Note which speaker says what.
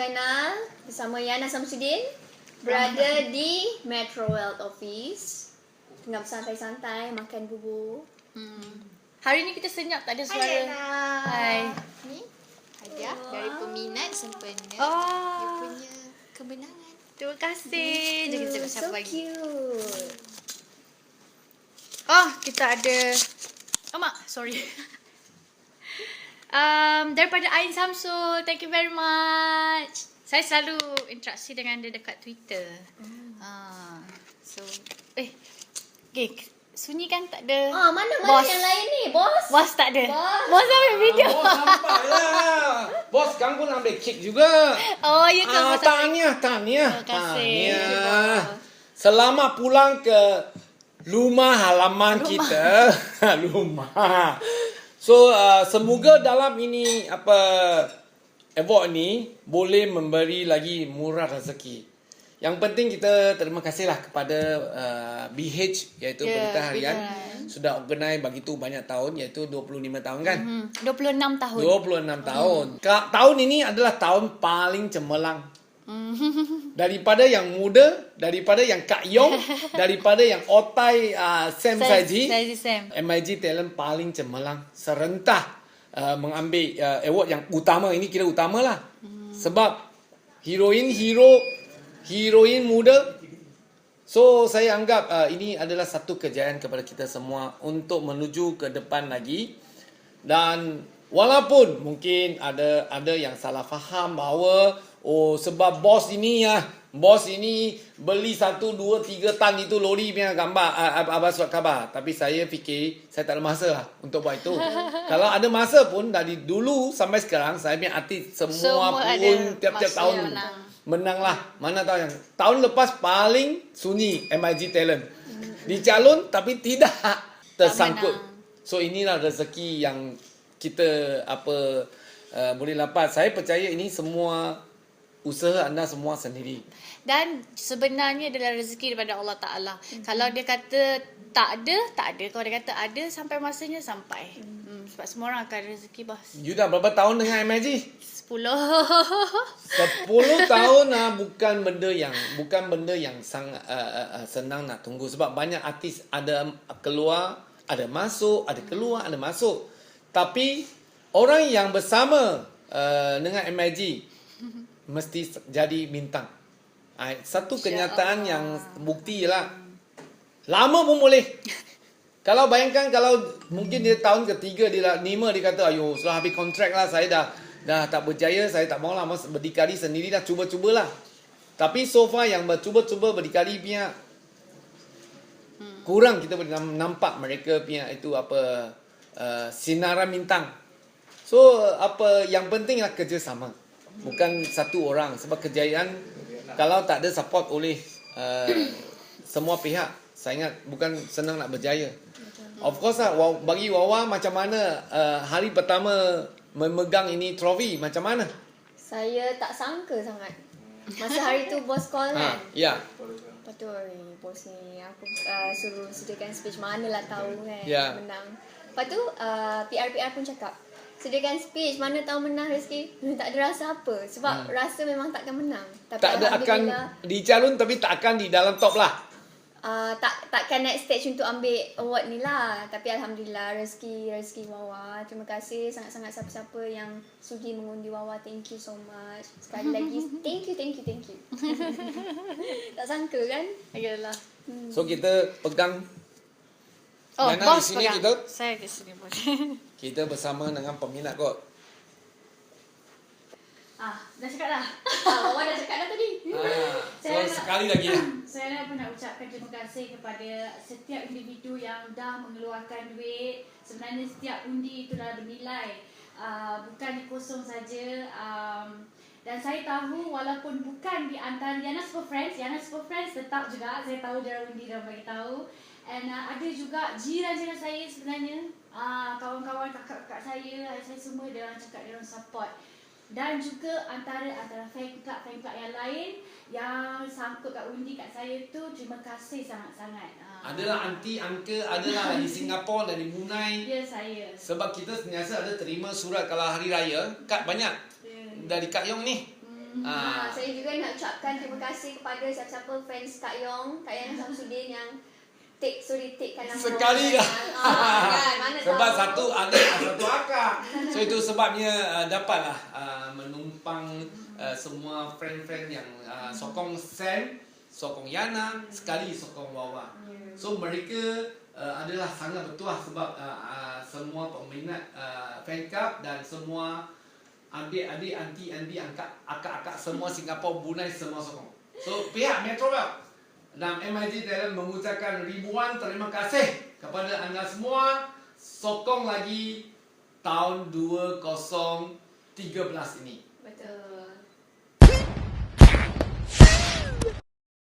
Speaker 1: Yana bersama Yana Samsudin berada di Metro Wealth Office. Tengah bersantai-santai makan bubur.
Speaker 2: Hari ni kita senyap, tak ada suara.
Speaker 1: Hai Yana.
Speaker 2: Hai.
Speaker 3: Ni hadiah dari peminat sempena dia punya kemenangan.
Speaker 2: Terima kasih. Jom kita tengok siapa
Speaker 1: So
Speaker 2: lagi.
Speaker 1: cute.
Speaker 2: Kita ada Mak, sorry. Daripada Ain Samsul, thank you very much. Saya selalu interaksi dengan dia dekat Twitter. So, okay, Sunyi kan tak ada.
Speaker 1: Mana
Speaker 2: bos.
Speaker 1: yang lain ni, bos?
Speaker 2: Bos tak ada.
Speaker 1: Bos.
Speaker 2: Ambil video.
Speaker 4: Bos nampak lah. Bos sekarang pun ambil kek juga.
Speaker 2: Oh, ya ke? Bos
Speaker 4: Tahniah.
Speaker 2: Terima kasih.
Speaker 4: Selamat pulang ke rumah halaman kita. Rumah. So, semoga dalam ini award ni boleh memberi lagi murah rezeki. Yang penting kita terima kasihlah kepada BH iaitu Berita Harian sudah organize bagi tu banyak tahun iaitu 25 tahun kan?
Speaker 2: 26 tahun.
Speaker 4: 26 tahun. Tahun ini adalah tahun paling cemerlang. Daripada yang muda, daripada yang Kak Yong, daripada yang Otai Sam Saji. MIG Talent paling cemerlang serentak mengambil award yang utama. Ini kira utama lah. Sebab heroin muda. So saya anggap ini adalah satu kejayaan kepada kita semua untuk menuju ke depan lagi. Dan walaupun mungkin ada yang salah faham bahawa sebab bos ini beli 1, 2, 3 tan itu lori punya gambar surat khabar. Tapi saya fikir saya tak ada masa lah untuk buat itu. Kalau ada masa pun dari dulu sampai sekarang saya punya artis semua pun tiap-tiap tahun menang lah. Mana tahu yang tahun lepas paling sunyi MIG Talent. Dicalon tapi tidak tersangkut. So inilah rezeki yang kita boleh dapat. Saya percaya ini semua usaha anda semua sendiri.
Speaker 2: Dan sebenarnya adalah rezeki daripada Allah Ta'ala. Kalau dia kata tak ada. Kalau dia kata ada, sampai masanya sampai. Sebab semua orang akan rezeki, bos.
Speaker 4: You dah berapa tahun dengan MIG?
Speaker 2: 10
Speaker 4: tahun bukan benda yang sangat senang nak tunggu. Sebab banyak artis ada keluar, ada masuk, ada keluar, ada masuk. Tapi orang yang bersama dengan MIG mesti jadi bintang. Satu kenyataan yang bukti ialah lama pun boleh. Kalau bayangkan kalau mungkin dia tahun ketiga, dia kata ayo setelah habis kontrak lah, saya dah tak berjaya, saya tak maulah berdikari sendiri dah, cuba-cubalah. Tapi so far yang bercuba-cuba berdikari punya kurang kita boleh nampak mereka punya itu sinaran bintang. So yang penting adalah kerjasama. Bukan satu orang. Sebab kejayaan kalau tak ada support oleh semua pihak, saya ingat bukan senang nak berjaya. Of course lah, bagi Wawa macam mana hari pertama memegang ini trofi, macam mana?
Speaker 1: Saya tak sangka sangat. Masa hari tu bos call kan?
Speaker 4: Ya.
Speaker 1: Lepas tu bos ni aku suruh sediakan speech, manalah tahu kan menang. Lepas tu PR pun cakap, sediakan speech, mana tahu menang rezeki. Tak ada rasa apa. Sebab rasa memang takkan menang. Tapi
Speaker 4: tak ada akan dicalon tapi tak akan di dalam top lah.
Speaker 1: Takkan next stage untuk ambil award ni lah. Tapi Alhamdulillah rezeki Wawa. Terima kasih sangat-sangat siapa-siapa yang sudi mengundi Wawa. Thank you so much. Sekali lagi thank you. Tak sangka kan?
Speaker 2: Ayalah.
Speaker 4: So kita pegang. Yana
Speaker 2: bos
Speaker 4: di sini
Speaker 2: pegang.
Speaker 4: kita.
Speaker 2: Saya di sini, bos.
Speaker 4: Kita bersama dengan peminat kot.
Speaker 2: Dah cakap dah.
Speaker 1: Wawa dah cakap dah tadi.
Speaker 4: So sekali lagi lah.
Speaker 2: Saya pun nak ucapkan terima kasih kepada setiap individu yang dah mengeluarkan duit. Sebenarnya setiap undi itu dah bernilai. Bukan kosong saja. Dan saya tahu walaupun bukan di antara Yana Super Friends tetap juga saya tahu dia undi dah bagi tahu. And ada juga jiran-jiran saya sebenarnya, kawan-kawan kakak-kakak saya semua dia orang cakap dia orang support. Dan juga antara fan club yang lain yang sangkut kat undi kat saya tu, terima kasih sangat-sangat.
Speaker 4: Adalah aunty, uncle, adalah dari Singapura, dari Brunei.
Speaker 2: Ya, saya.
Speaker 4: Sebab kita sentiasa ada terima surat kalau hari raya, kad banyak. Dari Kak Yong ni.
Speaker 1: Saya juga nak ucapkan terima kasih kepada siapa-siapa fans Kak Yong Samsudin yang take kan nama
Speaker 4: sekali dah.
Speaker 1: Kan, mana
Speaker 4: sebab
Speaker 1: tahu.
Speaker 4: satu adik satu akak. So itu sebabnya dapatlah menumpang semua friend-friend yang sokong Sam, sokong Yana, sekali sokong Wawa. So mereka adalah sangat bertuah sebab semua peminat fan club dan semua adik-adik, anti-anti, akak-akak semua Singapura, Brunei semua sokong. So pihak Metroville dan MIG Talent mengucapkan ribuan terima kasih kepada anda semua. Sokong lagi tahun 2013 ini.
Speaker 1: Betul.